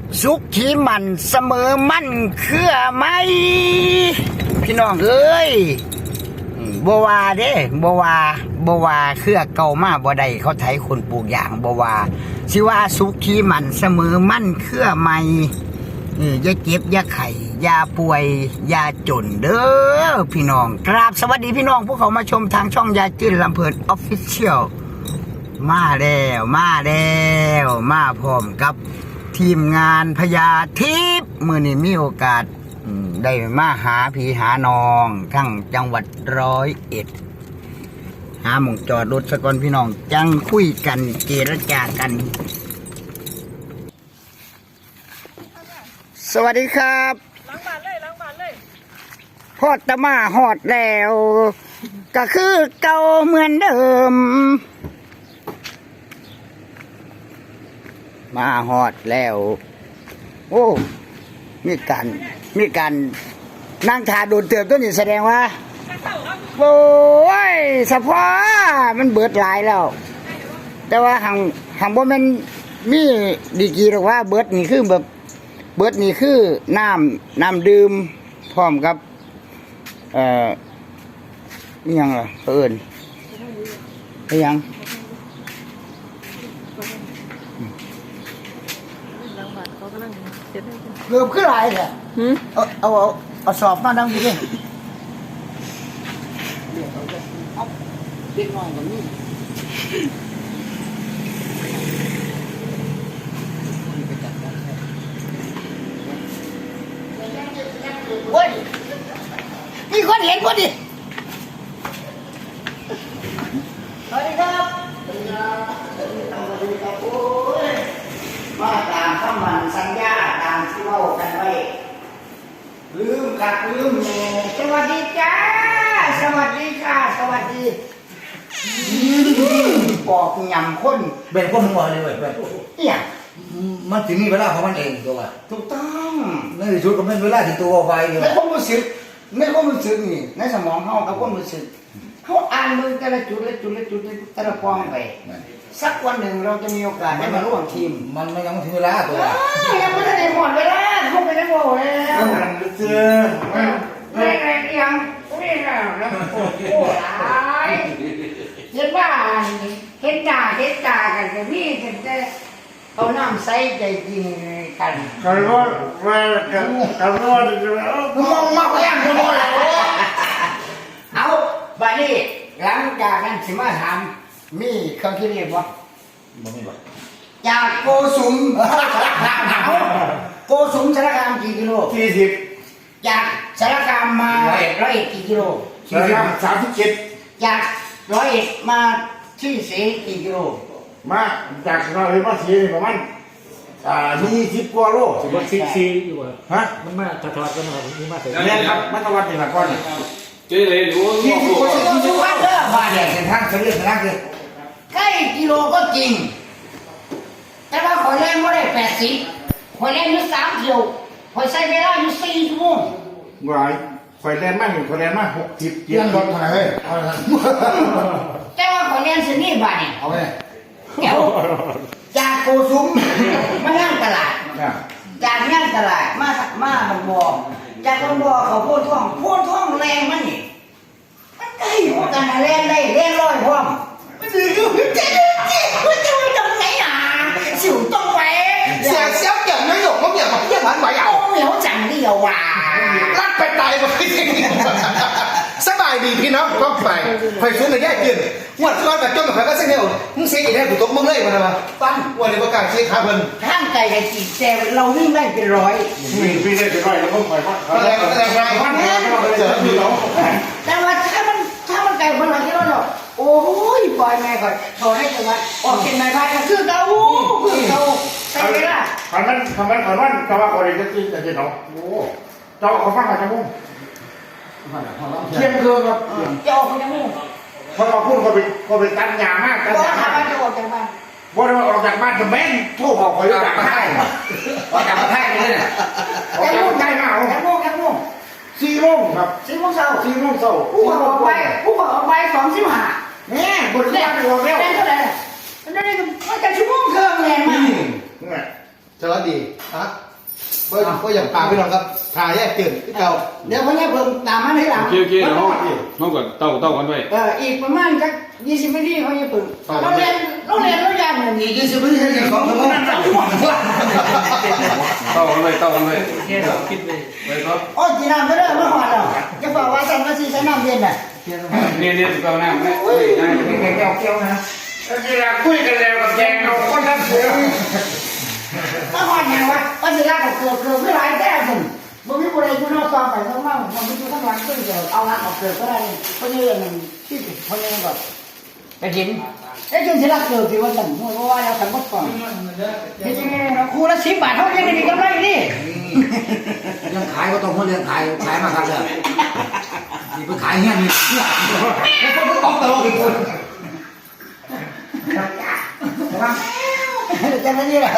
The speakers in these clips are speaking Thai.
สุขขีมันเสมอมั่นเครือไหมพี่น้องเอ้ยบัวาเด้บัวาเครือเก่ามาบ่ได้เขาไถคนปลูกอย่างบัวาสิว่าสุขขีมันเสมอมั่นเครือไหมอย่าเจ็บอย่าไข้อย่าป่วยอย่าจนเด้อพี่น้องกราบสวัสดีพี่น้องผู้เขามาชมทางช่องยาจื้นลำเพลินออฟฟิเชียลมาแล้วมาพร้อมกับทีมงานพญาทิพย์มื้อนี้มีโอกาสได้มาหาพี่หาน้องทั้งจังหวัด101หาหม่องจอดรถสะก่อนพี่น้องจังคุยกันเจรจากันสวัสดีครับล้างบานเลยฮอดตะมาฮอดแล้วก็คือเก่าเหมือนเดิมมาฮอดแล้วโอ้มีการนั่งทาโดนเติบต้นนี่แสดงว่าโอ้ยสะพอมันเบิดหลายแล้วแต่ว่าหังบ่แม่นมีดีกีหรอกว่าเบิดนี่คือแบบเบิดนี่คือน้ำดื่มพร้อมกับนี่ยังล่ะเอิ้นนี่ยังเกือบขึ้นหลายเลยเอาสอบมาดังดีเลยเอาเด็กน้อยกว่านี้โอ้ยมีคนเห็นพอดีสวัสดีครับโอ้ยมาตามคำมันสัญญาตามที่เล่ากันไว้ลืมแม่สวัสดีจ้าสวัสดีค่ะสวัสดีบอกยำคนเป็นคนหัวเลยเว้ยเนี่ยมันถึงมีเวลาของมันเองตัวถูกต้องในที่สุดก็เป็นเวลาที่ตัวไปอยู่ในความรู้สึกนี่ในสมองเขากับความรู้สึกเขาอ่านมือแต่ละจุดแต่ละปองไปสักวันหนึ่งเราจะมีโอกาสได้มาร่วมทีมมันยังไม่ถึงเวลาตัวยังไม่ได้หมดเวลาเขาไปได้หมดแล้วไม่ยังไม่แล้วโอ้โหเห็นว่าเห็นตากันแต่พี่จะเอาน้ำใส่ใจจริงกันกันว่ามองมาก็ยังมองแล้วเอาบัดนี้หลังจากนั้นสิมาถามมีเครื่องคิดเลขบ่จากโกสุมสารคามกี่กิโล 40 จากสารคามมา101กี่กิโล 37 จาก101มาที่เสกี่กิโลมาจากเราเห็นว่าสีประมาณ20 กว่าโล 14อยู่ฮะมันมาถอดกันนะครับนี่มาเสร็จเรียนครับมาตะวันเป็นหลักก่อนเจ๊เลยรู้ 20 กว่าเด้อบ้านเนี่ยเส้นทางเฉลี่ยคือใกล้กิโลก็จริงแต่ว่าข่อยเล่นไม่ได้80ข่อยเล่นอยู่3 กิโลข่อยใช้เวลาอยู่4 ชั่วโมงวายข่อยแลนมา60 เรื่องรถเท่าไหร่เฮ้ยแต่ว่าข่อยเล่นสินี่บ้านเนี่ยเอาไปเดี๋ยวจากโกสุมมาย่างตลาดจากย่างตลาดมาบางบ่อจากบางบ่อเขาโพดท่องแรงมันนี่มันใกล้หัวกันแรงได้แรงร้อยพร้อมมันดื้อมันจะไปทำไงอ่ะสิวต้องไปเสียเก็บไม่หยกเขาเก็บมาเยี่ยมมันไหวเอาเหนียวจังเดียวว่ะลัดไปตายไปสบายดีพี่น้องก็ไปซื้อเลยแย่กินงวดก่อนแบบจนแบบก็เสียเดียวมึงเสียอีกแล้วถูกตบมึงเลยมันอะไรปั้นวันนี้ประกาศเสียขาเพิ่นห้างไก่กับจีแต่เราวิ่งได้เป็น100 พี่ได้เป็น100แล้วก็ปล่อยพันเจอพี่น้องแต่ว่าถ้ามันไก่คนละกิโลเนาะโอ้ยปล่อยแม่ก่อนถอดให้จังหวัดออกกินไม้พายก็คือเก่าใช่ไหมล่ะขันมันจะว่าคนจะกินจะกินเนาะโอ้เจ้าเขาฟังอะไรมั้งเที่ยงคืนครับจะออกจากมุ้งพอเราพูดก็ไปตันยามากตันยามากจะออกจากบ้านว่าเราออกจากบ้านจะแม่นโทรบอกคอยจากบ้านออกจากบ้านเลยเนี่ยออกจากบ้านมาแค่โมง 4 โมงครับ 4 โมงเช้าผู้บอกออกไป2:15 เนี่ยบนบ้านเราแล้วเท่าไหร่มันได้มาจากชั่วโมงครึ่งแรงมากนี่สวัสดีฮะก็อย่างปากพี่น้องครับถ่ายแยกตื่นที่เก่าเดี๋ยวพ่อเนี่ยเพิ่มตามมาให้หลังโอเคเดี๋ยวน้องก่อนเต้ากันไว้อีกประมาณสัก20 นาทีพ่อเนี่ยเพิ่มโรงเรียนเรายากอย่างนี้ 20 นาทีให้2 ชั่วโมงเต้ากันไว้แค่เราคิดเลยไปครับโอ้ยจีน้ำไม่ได้มาหอดแล้วจะบอกว่าฉันมาซีใช้น้ำเย็นน่ะเนี่ยเต้าน้ำนะแก้วนะเวลาคุยกันแล้วกับแจงเราคนทั้งเสือมาหอดยังวะว่าสิลากับเกลือไม่หลายแก้วผมบ่มีผู้ใดอยู่นอกซองไปข้างนอกมันมีอยู่ข้างหลังก็เดี๋ยวเอาละเอาเกลือก็ได้เพราะนี่มันที่เพราะนี่ก่อนไปกินไอ้จนสิลาเกลือที่ว่าฉันเพราะว่าเราทำหมดก่อนเฮ้ยจริงๆเราคูละ10 บาทเท่ายังได้กำไรนี่ยังขายก็ต้องมาเรียนขายมาครับเลยนี่ไปขายเงี้ยนี่แล้วก็ต้องตลกอีกคนจะไม่นี่แหละ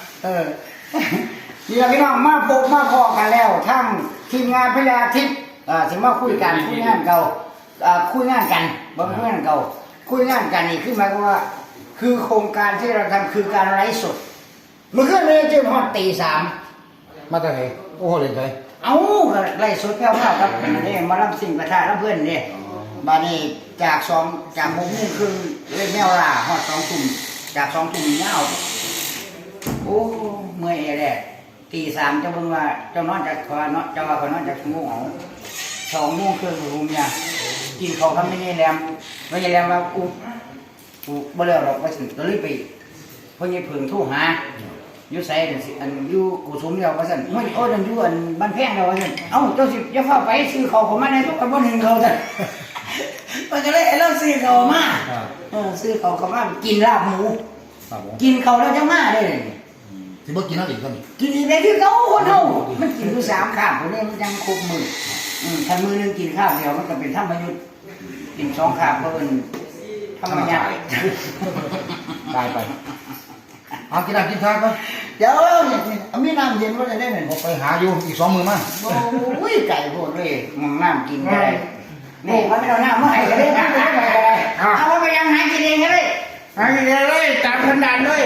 นี่เราพี่น้องมาพบมาพอกันแล้วทั้งทีมงานพญาทิพย์ถึงมาคุยกันคุยงานเก่าคุยงานกันบ่คุยงานเก่าคุยงานกันนี่คือหมายความว่าคือโครงการที่เราทำคือการไลฟ์สดเมื่อคืนนี้จนฮอดตี 3 มาจากไหนโอ้โหเลยเลยเอ้าไลฟ์สดแพ้วๆครับนี่มารับสิ่งประทานเพื่อนนี่บานี้จาก6 โมงครึ่งเล่นแมวล่าฮอด2 ทุ่มจาก2 ทุ่มยาวโอ้เมื่อยแหละตี 3เจ้าเบิ่งว่าเจ้านอนจากขอนอนเจ้าว่าขอนอนจากชั่วโมงเอา2 โมงครึ่งรูมเนี่ยกินข้าวทำไม่ได้แรมไม่ได้แรมว่ากูบ่แล้วหรอกว่าสิก็เลยไปเพิ่นยังเพิ่งโทรหาอยู่ไสอันอยู่กูสมแล้วว่าซั่นโอ้ยนั่นอยู่อันบ้านแพงแล้วว่าซั่นเอ้าเจ้าสิอย่าฟ้าไปซื้อข้าวเข้ามาในทุกคนบ่ถึงเขาซั่นมันก็เลยเราซื้อข้าวมาซื้อข้าวเข้ามากินลาบหมูกินข้าวแล้วจะมาได้เลยที่บ่กินน้ำอีกก็มีกินอีกได้ที่เขาคนเฮามันกินอยู่3 ข้าวคนนี้มันยังครบมื้อถ้ามื้อนึงกินข้าวเดียวมันก็เป็นธรรมยุทธ์กิน2 ข้าวก็เป็นธรรมญาติตายไปเอากินน้ำกินข้าวก็เดี๋ยวมีน้ำเย็นว่าจะได้ไหมไปหาอยู่อีก2 มือมาโอ้ยไก่โพดเลยมองน้ำกินก็ได้นี่มันไม่เอาน้ำมาให้ก็ได้น้ำไม่ได้ก็ได้เอาไปยังหากินเองก็ได้หากินเลยตามขันดานเลย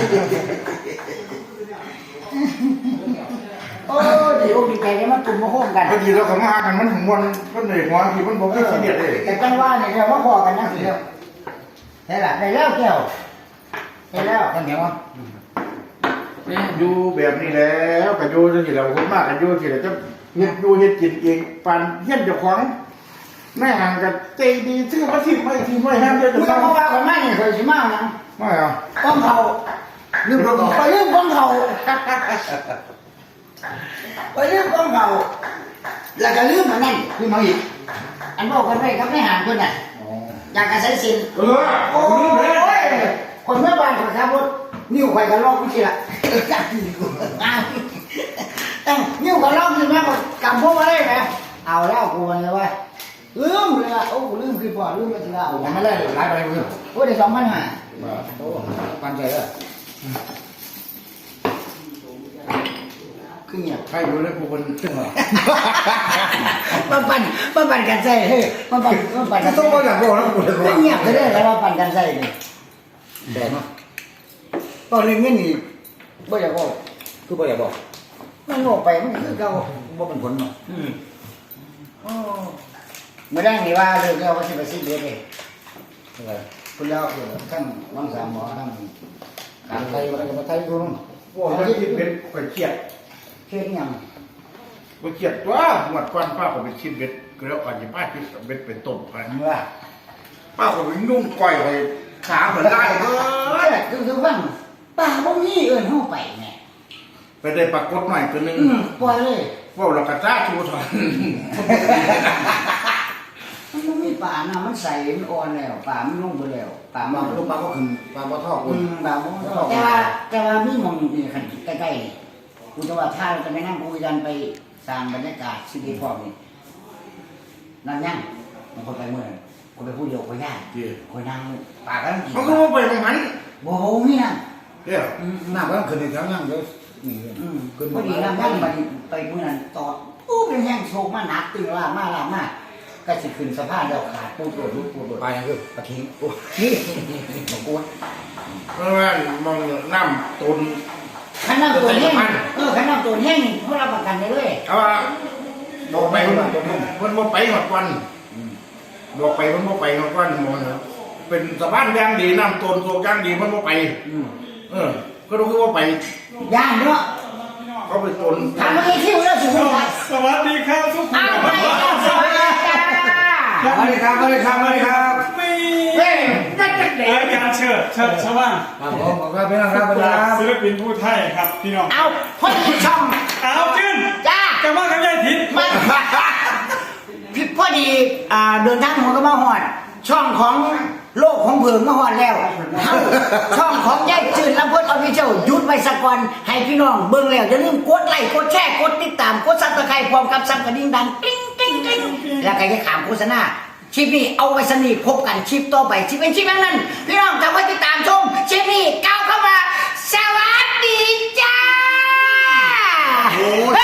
โอ้ดีอกดีใจได้มาตุ่มมาโค้งกันบางทีเราเขามาหากันมันถึงวันมันเหนื่อยหัวทีมันบอกไม่ขี้เกียจเลยแต่จังว่าเนี่ยเราว่าพอกันนะเดียวได้ละได้แล้วแก้วได้แล้วท่านเหนียววะนี่อยู่แบบนี้แล้วกับอยู่จะกี่เราคนมากกับอยู่ที่เราจะเฮ็ดอยู่เฮ็ดกินเองปันเฮ็ดเจ้าของแม่ห่างกับใจดีซื้อมาทิ้งไม่ทิ้งไม่ห้ามเดียวจะเมื่อต้องเพราะว่าคนไม่เนี่ยเคยชิมากนะไม่เอาก้องเขาลืมก้องเขาไปลืมก้องเขาไปลืมก้องเขาแล้วก็ลืมอันนั้นขึ้นมาอีกอันบอกกันไปครับไม่ห่างคนน่ะอยากกระใช้สินเออโอ้ยคนเมื่อบ้านคนขับรถนิ้วไข่กันลอกไม่ใช่ละจับนิ้วนิ้วกันลอกอยู่ไหมกำพวกมาได้ไหมเอาแล้วกูเลยว่าลืมเลยโอ้ลืมคือพอลืมไปทีละยังไม่ได้หลายไปเลยโอ้ได้2,500 โอ้ปันใจเลยคือเงียบใครรู้เลยกูคนขึ้นมามาปั่นกันใส่เฮ้ยมาปั่นกันต้องมาอย่างบอกนะกูเลยไม่เงียบเลยแล้วมาปั่นกันใส่นี่แดดเนาะตอนเรื่องเงี้ยนี่บ่อยากบอกคือบ่อยากบอกมันโง่ไปมันคือเก่าว่าเป็นผลเนาะโอ้ไม่ได้นี่ว่าเรื่องเราว่าสิไปซื้อเบียร์เองอะไรคุณแล้วทั้งวังสามหมอทั้งการไทยอะไรกับไทยกูนู่นโอ้ยคิดเป็นข่อยเครียดเฮ็ดหยังข่อยเครียดว่าหมดก้อนป้าผมไปชิมเบ็ดก็แล้วกันยี่ป้าคิดเบ็ดเป็นต้มกันเมื่อป้าผมนุ่งก้อยไปขาเหมือนได้เว้ยคือว่าป่าบ่มีเอิ้นเฮาไปแน่ไปได้ปรากฏหน่อยตัวนึงปล่อยเลยว่าเรากระจ้าชูถอนมันบ่มีป่านะมันใสมันอ่อนแล้วป่ามันลงไปแล้วป่าปมัลาน ลูกปลาก็ขึ้นปลาบ่ทอดกูป่าบ่แต่ว่ามีหม่องนี่คันใกล้ๆนี่กูจะว่าถ้าเราจะไปนั่งคุยกันไปสร้างบรรยากาศชีวิตพร้อมนี่นั่นยังมันคนไปเมื่อคนไปพูดเดียวคนยากคนนั่งป่าก็ต้องกินมันก็ว่าไปตรงนั้นโอ้โหนี่นะเดี๋ยวน้ำก็ต้องขึ้นในแถวย่างเดี๋ยวนี่ขึ้นพอดีน้ำนั่งไปเมื่อนั้นตอดอู้เป็นแห้งโชกมาหนักตึงล่ามากก็สิขึ้นสะพานแล้วขาดปูดรุดปูดไปยังคือปลาทิ้งโอ้นี่บอกกูเพราะว่ามองน้ำตุนใครขันน้ำตัวแห้งขันน้ำตัวแห้งเขารับประกันได้เลยเอาว่าบอกไปมันบ่ไปหมดวันบอกไปมันบ่ไปหมดวันหมดเป็นสะพานย่างดีน้ำต้นโซย่างดีมันบ่ไปก็รู้ว่าไปย่างเนาะเขาไปต้นทำอะไรที่เราสูงครับสวัสดีครับทุกคนเอาไปสวัสดีจ้าสวัสดีครับสวัสดีครับสวัสดีครับเฮ้ยนั่นจะเด็รายการเชิดชาวบ้านครับผมขอบคุณพี่น้องครับสวัสดีครับศิลปินผู้ไทยครับพี่น้องเอาพ่อที่ช่องเอาจื้นจ้าจะว่ากับยายทิศมันพี่พอดีเดินทางหัวก็มาหอด ช่องของโลกของเผิงมาหอดแล้วเฮ้าช่องของยายจืดลำพูนออฟฟิเชียลหยุดไว้สักวันให้พี่น้องเบิ่งแล้วอย่าลืมกดไลค์กดแชร์กดติดตามกดซับสไครต์พร้อมกับซับกระดิ่งดังกริ๊งกริ๊งกริ๊งแล้วก็อย่าขามโฆษณาคลิปนี้เอาไว้สนิทพบกันคลิปต่อไปคลิปเป็นคลิปนั้นพี่น้องจำไว้ติดตามชมคลิปนี้ก้าวเข้ามาสวัสดีจ้า